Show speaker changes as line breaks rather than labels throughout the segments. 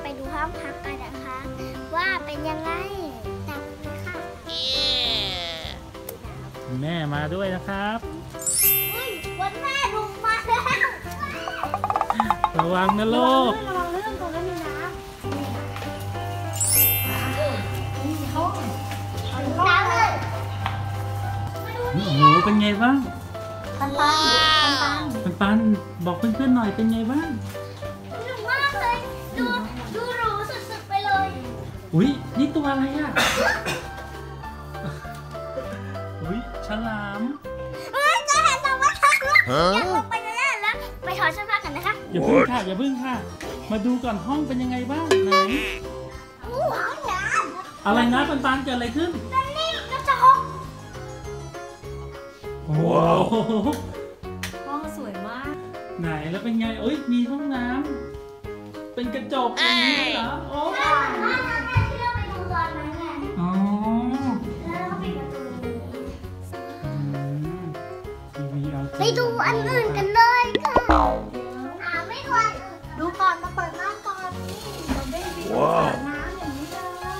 ไปดูห้องพักกันนะคะ ว่าเป็นยังไงตามไปค่ะ
แม่มาด้วยนะครับ
วันแม่ลงมาแล้ว
ระวังนะลูก
ระวังเรื่องตรงนั้นมีน้ำน้ำเลย
โอ้โหเป็นไงบ้างปันบอกเพื่อนๆหน่อยเป็นไงบ้าง
สนุกมากเลยดูหรูสุดๆไปเลย
อุ้ยนี่ตัวอะไรอ่ะอุ้ยฉลาม
จะเห็นเราว่าทักแล้วอยากลงไปแล้วไปถอดเสื้อผ้ากันนะคะ
อย่าพึ่งค่ะมาดูก่อนห้องเป็นยังไงบ้างไหนอะไรนะปันเกิดอะไรขึ้น
นี่ก็จะห้อง
ว้าว
ห้องสวยมาก
ไหนแล้วเป็นไงเอ้ยมีห้องน้ำเป็นกระจกอย่างนี้เหรอโอ้
ที่เราไปดูตอนนั้นไง
อ๋อ
แล้วก็ปิดประตู
ไป
ดูอันอื่นกันเลยค่ะไม่ควร
ดูก่อนมาเปิดน้ำก่อนนี่เราได้วิวสระน้ำอย่างนี้เลย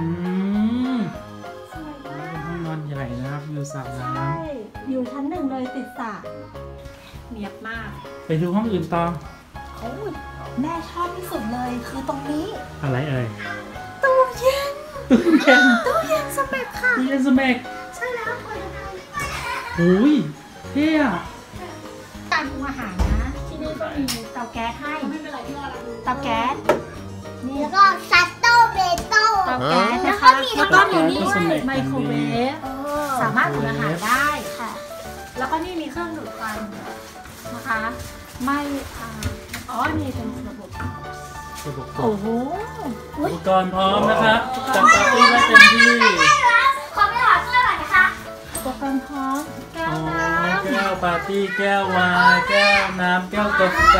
สวยมากเป็นห้องนอนใหญ่นะครับอยู่สระน้ำ
ใช่อยู่ชั้นหนึ่งเลยติดสระเนียบมาก
ไปดูห้องอื่นต่อ
แม่ชอบที่สุดเลยคือตรงนี้
อะไรเอ่ย
ตู้เย็นสเปกค่ะ
ตู้เย็นสเปก
ใช่แล้ว
อุ้ยเท่อะ
การปรุงอาหารนะที่นี่ก็มีเตาแก๊สให้ไม่เป็นไรที่เราดูเตาแก๊ส
นี่แล้วก็ซัตโต้เบโต้
เตาแก๊สนะคะแล้วก็มีนี่ด้วยไมโครเวฟสามารถอุ่นอาหารได้ค่ะแล้วก็นี่มีเครื่องดูดควันนะคะไม่นี่เป็นระบบโอ้โห
อุปกรณ์พร้อมนะครับจัดปาร์ตี้ได้เต็มที่
ขอไปถอดเสื้อหน่อยนะคะ
อุปกรณ์พร้อมแก้วน้ำ
แก้วปาร์ตี้แก้ววายแก้วน้ำแก้วกาแฟ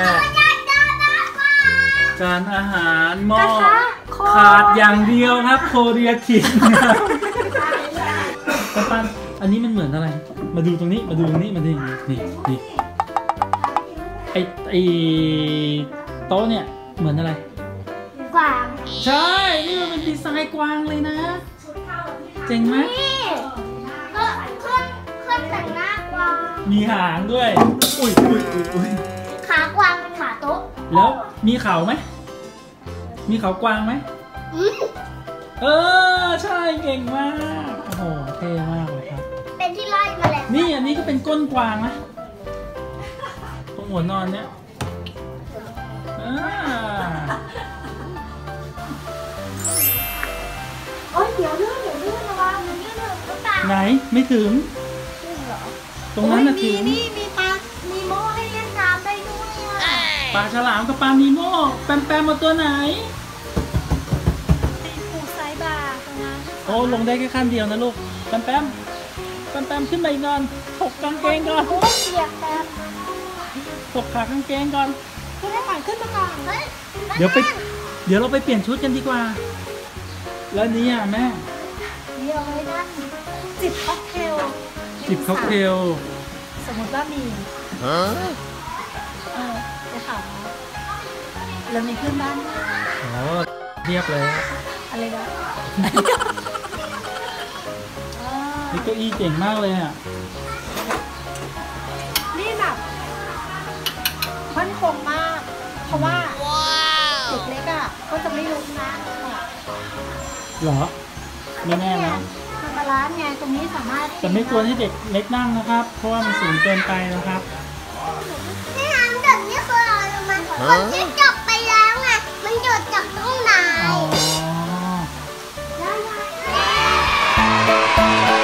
จานอาหารหม้อขาดอย่างเดียวครับโคเรียคิงปันอันนี้มันเหมือนอะไรมาดูตรงนี้มาดูนี่ไอโต๊ะเนี่ยเหมือนอะไร
กวาง
ใช่นี่มันเป็นดีไซน์กวางเลยนะเจ๋งไหม
นี่ก็เครื่องแต่งหน้ากวาง
มีหางด้วยอุ้ย
ขากวางเป็นขาโต๊ะ
แล้วมีเขาไหมมีเขากวางไหมใช่เก่งมากโอ้โหเท่มากเลยครับ
เป็นที่ไล่มาแล้ว
นี่อันนี้ก็เป็นก้นกวางนะตรงหัวนอนเนี้ย
เดี๋ยวลื่นระวัง
ไหนไม่ถึงตรงนั้นน่ะถึง
นี่มีปลานีโม่ให้เล่นน้ำได้ด้วย
ปลาฉลามกับปลานีโม่แปมมาตัวไหน
ปูไซบาร์ตรงนั้น
โอ้ลงได้แค่ขั้นเดียวนะลูกแปมขึ้นไปนอนถกกางเกงก่อน
เปียกแบบ
ถกขากางเกงก่อน
ขึ้นมาก่อน
เดี๋ยวเราไปเปลี่ยนชุดกันดีกว่าแล้วนี้อ่ะแม่
เดี๋ยวไว้นั่งจิบค็อกเทลสมมติว่ามีจะถามเรามีเพื่อนบ้าน
เรียบเลย
อะไรนะ
นี่เก้าอี้เจ๋งมากเลยอ่ะ
นี่แบบมั่นคงมากเพราะว่าเด็กเล็กอ่ะก็จะไม่ลุกนะ
หรอไม่แน่นะ
มันบาลานซ์ไงตรงนี้สามารถ
แต่ไม่ควรให้เด็กเล็กนั่งนะครับเพราะว่ามันสูงเกินไปนะครับ
นี่น้ำแบบนี้คืออะไรรู้ไหมคนที่จบไปแล้วไงมันหยุดจากตรงไหน